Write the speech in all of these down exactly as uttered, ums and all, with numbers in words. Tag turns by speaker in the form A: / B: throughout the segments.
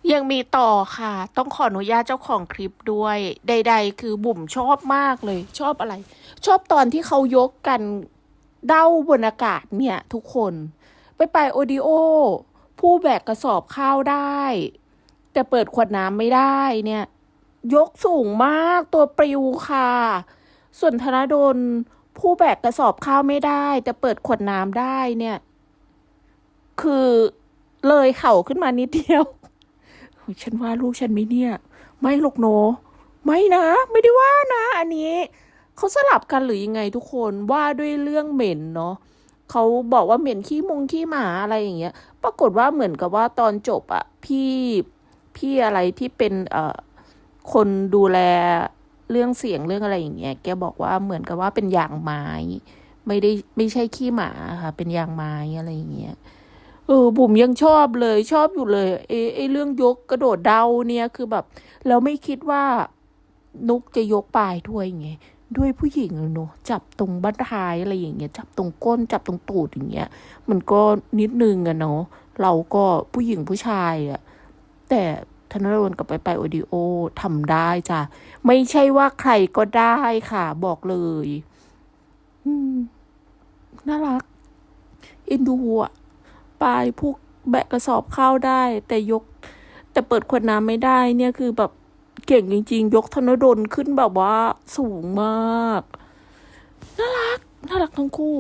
A: ยังมีต่อค่ะต้องขออนุญาตเจ้าของคลิปด้วยใดๆคือบุ๋มชอบมากเลยชอบอะไร ชอบตอนที่เขายกกันเด้าบนอากาศเนี่ยทุกคนไปไปโอดิโอผู้แบกกระสอบข้าวได้แต่เปิดขวดน้ำไม่ได้เนี่ยยกสูงมากตัวปลิวค่ะส่วนธนดลผู้แบกกระสอบข้าวไม่ได้แต่เปิดขวดน้ำได้เนี่ยคือเลยเข่าขึ้นมานิดเดียว ฉันว่าลูกฉันไม่เนี่ยไม่หรอกโนไม่นะไม่ได้ว่านะอันนี้เขาสลับกันหรือยังไงทุกคนว่าด้วยเรื่องเหม็นเนาะเขาบอกว่าเหม็นขี้มุงขี้หมาอะไรอย่างเงี้ยปรากฏว่าเหมือนกับว่าตอนจบอะพี่พี่อะไรที่เป็นเอ่อคนดูแลเรื่องเสียงเรื่องอะไรอย่างเงี้ยแกบอกว่าเหมือนกับว่าเป็นยางไม้ไม่ได้ไม่ใช่ขี้หมาค่ะเป็นยางไม้อะไรอย่างเงี้ย เออบุ๋มยังชอบเลยชอบอยู่เลยไอ้ไอ้เรื่องยกกระโดดเดาเนี่ยคือแบบเราไม่คิดว่านุกจะยกปลายด้วยไงด้วยผู้หญิงเนอะจับตรงบั้นท้ายอะไรอย่างเงี้ยจับตรงก้นจับตรงตูดอย่างเงี้ยมันก็นิดนึงอะเนาะเราก็ผู้หญิงผู้ชายอะแต่ธนรนกับไปไปโอดิโอทำได้จ้ะไม่ใช่ว่าใครก็ได้ค่ะบอกเลยอืมน่ารักเอ็นดูอะ ปลายพวกแบกกระสอบข้าวได้แต่ยกแต่เปิดขวดน้ำไม่ได้เนี่ยคือแบบเก่งจริงๆยกธนดลขึ้นแบบว่าสูงมากน่ารักน่ารักทั้งคู่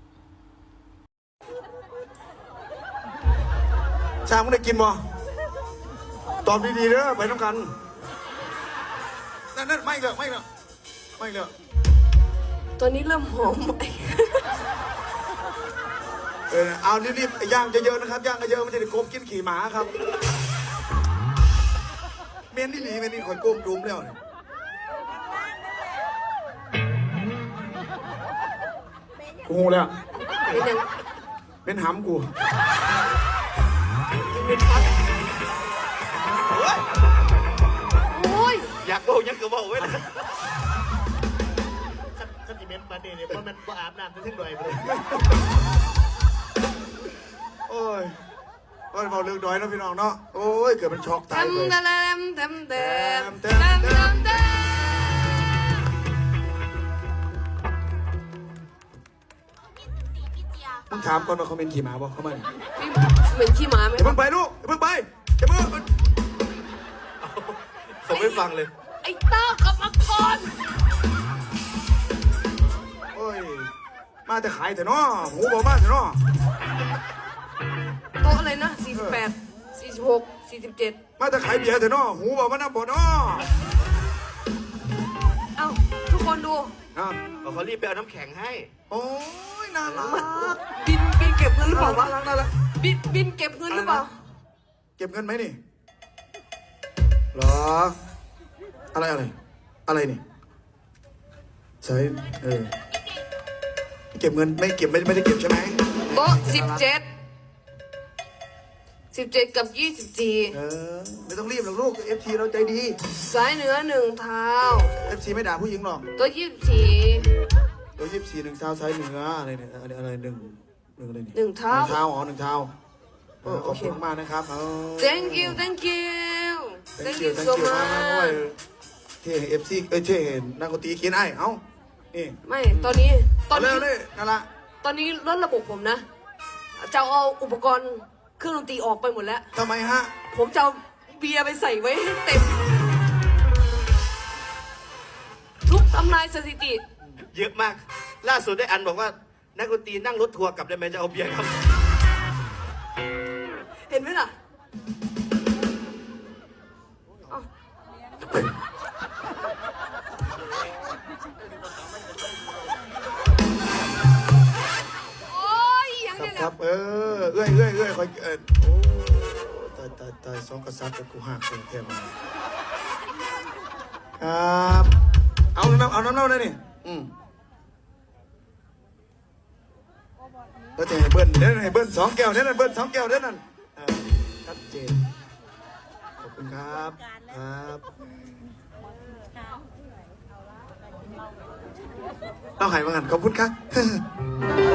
B: ช่างมึงได้กินบ่ตอบดีๆเด้อไปน้ำกันนั่นนั่นไม่เลยไม่เลยไม่เลย
C: ตัวนี้เริ่มหอมไหม
B: เออเอารีบๆย่างเยอะๆนะครับย่างเยอะๆมันจะได้โกบกินขี่หมาครับเมียนนี่หนีเมียนนี่คอยโกมดุมแล้วเนี่ยกูหูแล้ว
C: เป็นยัง
B: เป็นหำกู
C: โอ้ย
D: อยากโอ้ยังก็บอกไว้นะสติเมนต์มาเนี่ยเนี่ยเพราะมันก็อาบน้ำจะถึงหน่อยไปเลย
B: โอ้ยโอ้ยเบาเรื่องน้อยนะพี่น้องเนาะโอ้ยเกิดเป็นช็อกตายเลย
C: ทำเต็มเต็มเต็มเต็มเต็มเต็มเต็ม
B: มึงถามก่อนว่าเขาเป็นขี่หมาบ่เขามาเนี่ย
C: เหมือนขี้หมาไหม
B: อย่าเพิ่งไปลูกอย่าเพิ่งไปอย่าเพิ่ง
D: ผมไม่ฟังเลย
C: ไอ้เต้ากับมังกร
B: โอ้ยมาแต่ขายแต่เนาะหูบอกมาแต่เนาะ
C: โต๊ะอะไรนะสี่สิบแปดสี่สิบหกสี่สิบเจ็ด
B: มาแต่ขายเบียร์แต่เนาะหูบอกมาน้ำบ่เนาะ
C: เอ้าทุกคนดู
B: อ่ะ
D: เขารีบไปเอาน้ำแข็งให้
B: โอ้ยน่ารัก
C: บินบินเก็บเงินหรือเปล่าวะ
B: น่ารักน่ารัก
C: บินบินเก็บเงินหรือเปล่า
B: เก็บเงินไหมนี่หรออะไรอะไรอะไรนี่ใช่เออเก็บเงินไม่เก็บไม่ไม่ได้เก็บใช่ไหม
C: โต๊ะสิบเจ็ดสิบเจ็ดกับยี่สิบสี่
B: เออไม่ต้องรีบหรอกลูกเอฟซีเราใจดี
C: สายเหนือหนึ่งเท้า
B: เอฟซีไม่ด่าผู้หญิงหรอก
C: ตัวยี่สิบสี่
B: ตัวยี่สิบสี่หนึ่งเท้าซ้ายเหนืออะไรเนี่ยอะไรอะไรหนึ่งหนึ่งอะไรนี่
C: หนึ่งเท้า
B: หนึ่งเท้าอ๋อหนึ่งเท้าขอบคุณมากนะครับ
C: thank you thank you
B: thank you thank you มากนะโอ้ยเท่เอฟซีเอ้ยเท่นักดนตรีเขียนไอ้เอ้านี่
C: ไม่ตอนนี้ตอนนี้
B: เลยนั่นละ
C: ตอนนี้ลดระบบผมนะจะเอาอุปกรณ์เครื่องดนตรีออกไปหมดแล้ว
B: ทำไมฮะ
C: ผมจะเอาเบียร์ไปใส่ไว้ให้เต็มทุกทำลายสถิติ
D: เยอะมากล่าสุดได้อันบอกว่านักดนตรีนั่งรถทัวร์กลับได้ไหมจะเอาเบียร์ครับ
C: เห็นไหมล่ะ
B: ครับเออเอื้อยเอื้อยเอื้อยคอยเออโอ้ตายตายตายสองกษัตริย์กับกูหักเป็นแค่มาครับเอาน้ำเอาน้ำเน่าได้นี่อืมแล้วจะให้เบิ้ลเด้นให้เบิ้ลสองแก้วเด้นเบิ้ลสองแก้วเด้นนั่นชัดเจนขอบคุณครับครับเราหายมากันขอบคุณครับ